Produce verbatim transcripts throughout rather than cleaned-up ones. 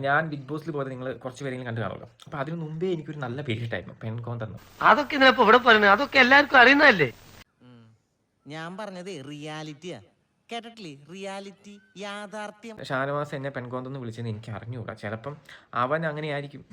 ഞാൻ ബിഗ് ബോസിൽ പോയത് നിങ്ങൾ കുറച്ച് പേരെങ്കിലും കണ്ടു കാണുമല്ലോ. അപ്പൊ അതിന് മുമ്പേ എനിക്കൊരു നല്ല പേരിട്ടായിരുന്നു പെൺകോന്തെന്ന്. അതൊക്കെ ഇതിനപ്പോ ഇവിടെ പറയുന്നത് അതൊക്കെ എല്ലാവർക്കും അറിയുന്നതല്ലേ. ഞാൻ പറഞ്ഞത് റിയാലിറ്റിയാ, കേട്ടിട്ടില്ലേ? റിയാലിറ്റി, യാഥാർത്ഥ്യം. ഷാനവാസ് എന്നെ പെൺകോന്തെന്ന് വിളിച്ചെന്ന് എനിക്ക് അറിഞ്ഞുകൂടാ. ചിലപ്പം അവൻ അങ്ങനെയായിരിക്കും.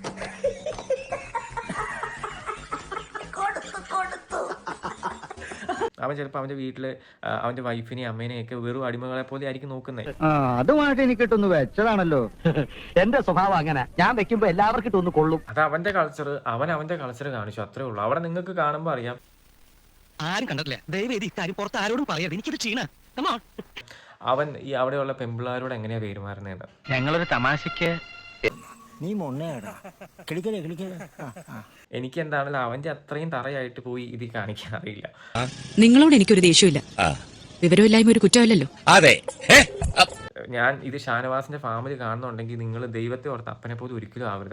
അവൻ ചിലപ്പോൾ അവന്റെ വീട്ടില് അവന്റെ വൈഫിനെയും അമ്മേനെയും ഒക്കെ വെറും അടിമകളെ പോലെ ആയിരിക്കും നോക്കുന്നത്. അതുമായിട്ട് എനിക്കിട്ടൊന്ന് വെച്ചതാണല്ലോ. എന്റെ സ്വഭാവം അങ്ങനെ, ഞാൻ വെക്കുമ്പോ എല്ലാവർക്കും ഇട്ടൊന്ന് കൊള്ളും. അത് അവന്റെ കൾച്ചർ, അവൻ അവന്റെ കൾച്ചർ കാണിച്ചു, അത്രേ ഉള്ളൂ. അവിടെ നിങ്ങൾക്ക് കാണുമ്പോൾ അറിയാം. ആരും കണ്ടിട്ടില്ല, ദയവേദി ഇക്കാര്യം പുറത്ത് ആരോടും പറയാം, എനിക്കിത് ക്ഷീണ. അവൻ ഈ അവിടെയുള്ള പെമ്പിള്ളാരോട് എങ്ങനെയാ പെരുമാറുന്നതെന്ന്. ഞങ്ങളൊരു തമാശക്ക് നീ മൊണ്ണയാടാ, കിളിക്കലേ കിളിക്കലേ. എനിക്ക് എന്താണെങ്കിലും അവന്റെ അത്രയും തറയായിട്ട് പോയി ഇത് കാണിക്കാൻ അറിയില്ല. നിങ്ങളോട് എനിക്കൊരു ദേഷ്യമില്ല, വിവരമില്ലായ്മ ഒരു കുറ്റമല്ലല്ലോ. അതെ, ഞാൻ ഇത് ഷാനവാസിന്റെ ഫാമിലി കാണുന്നുണ്ടെങ്കിൽ നിങ്ങൾ ദൈവത്തെ ഓർത്ത് അപ്പനെ പോലും ഒരിക്കലും ആവരുത്.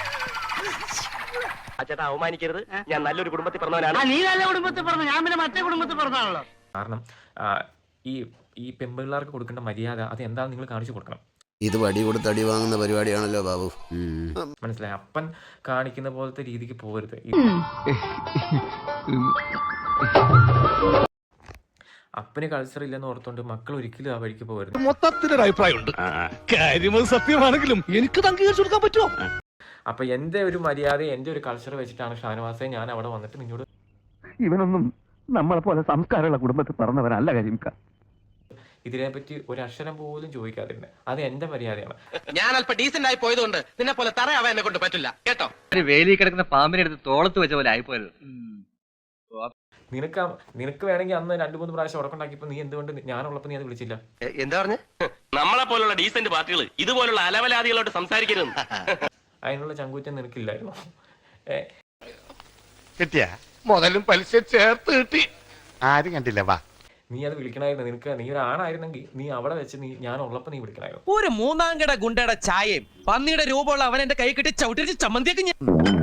ചേട്ടാ അവമാനിക്കരുത്, ഞാൻ നല്ലൊരു കുടുംബത്തിൽ പറഞ്ഞവനാണ്. നീ നല്ല കുടുംബത്തിൽ പറഞ്ഞു, ഞാൻ പിന്നെ മറ്റേ കുടുംബത്തിൽ പറഞ്ഞാണല്ലോ. കാരണം ഈ ഈ പെമ്പിള്ളാർക്ക് കൊടുക്കേണ്ട മര്യാദ അത് എന്താണെന്ന് നിങ്ങൾ കാണിച്ചു കൊടുക്കണം. ഇത് വടി കൊടുത്ത് അടി വാങ്ങുന്ന പരിപാടിയാണല്ലോ ബാബു. മനസ്സിലായി? അപ്പൻ കാണിക്കുന്ന പോലത്തെ രീതിക്ക് പോകരുത്. അപ്പന് കൾച്ചർ ഇല്ലെന്ന് ഓർത്തോണ്ട് മക്കൾ ഒരിക്കലും ആ വഴിക്ക് പോകരുത്. മൊത്തത്തിലൊരു അഭിപ്രായമുണ്ട്, കാര്യം സത്യമാണെങ്കിലും എനിക്ക് അംഗീകരിച്ചു കൊടുക്കാൻ പറ്റുമോ? അപ്പൊ എന്റെ ഒരു മര്യാദ, എന്റെ ഒരു കൾച്ചർ വെച്ചിട്ടാണ് ഷാനവാസെ ഞാൻ അവിടെ വന്നിട്ട് നിന്നോട് ഇവനൊന്നും നമ്മളെ പോലെ സംസ്കാരമുള്ള കുടുംബത്തിൽ പറഞ്ഞവനല്ല കരിമിക്ക. ഇതിനെപ്പറ്റി ഒരു അക്ഷരം പോലും ചോദിക്കാതിരുന്നത്. അത് എന്റെ മര്യാദയാണ്. ഞാൻ അല്പം ഡീസന്റ് ആയി പോയതുകൊണ്ട് നിന്നെ പോലെ തറയാവാൻ എന്നെ കൊണ്ട് പറ്റില്ല കേട്ടോ. ഒരു വേലി കിടക്കുന്ന പാമ്പിനെ എടുത്ത് തോളത്ത് വെച്ച പോലെ ആയിപ്പോയത്. നിനക്ക് നിനക്ക് വേണമെങ്കിൽ അന്ന് രണ്ടു മൂന്ന് പ്രാവശ്യം ഉറക്കുണ്ടാക്കിയപ്പോ നീ എന്തുകൊണ്ട് ഞാനുള്ളപ്പോ നീ അത് വിളിച്ചില്ല? എന്താ പറഞ്ഞ? നമ്മളെ പോലുള്ള ഡീസന്റ് പാർട്ടികൾ ഇതുപോലുള്ള അലവലാദികളോട് സംസാരിക്കരുത്. അതിനുള്ള ചങ്കൂറ്റം നിനക്കില്ലായിരുന്നു. കിട്ടിയ മുതലും പലിശ ചേർത്ത് കിട്ടി. ആരും കണ്ടില്ല. വാ, നീ അത് വിളിക്കണമായിരുന്നു. നിനക്ക് നീ ഒരു ആണായിരുന്നെങ്കിൽ നീ അവിടെ വെച്ച് നീ ഞാൻ ഉള്ളപ്പോ നീ വിളിക്കണമായിരുന്നു. ഒരു മൂന്നാം കട ഗുണ്ടയുടെ ചായയും പന്നിയുടെ രൂപമുള്ള അവൻ എന്റെ കൈ കിട്ടി ചവിട്ടിച്ച് ചമ്മന്തിയൊക്കെ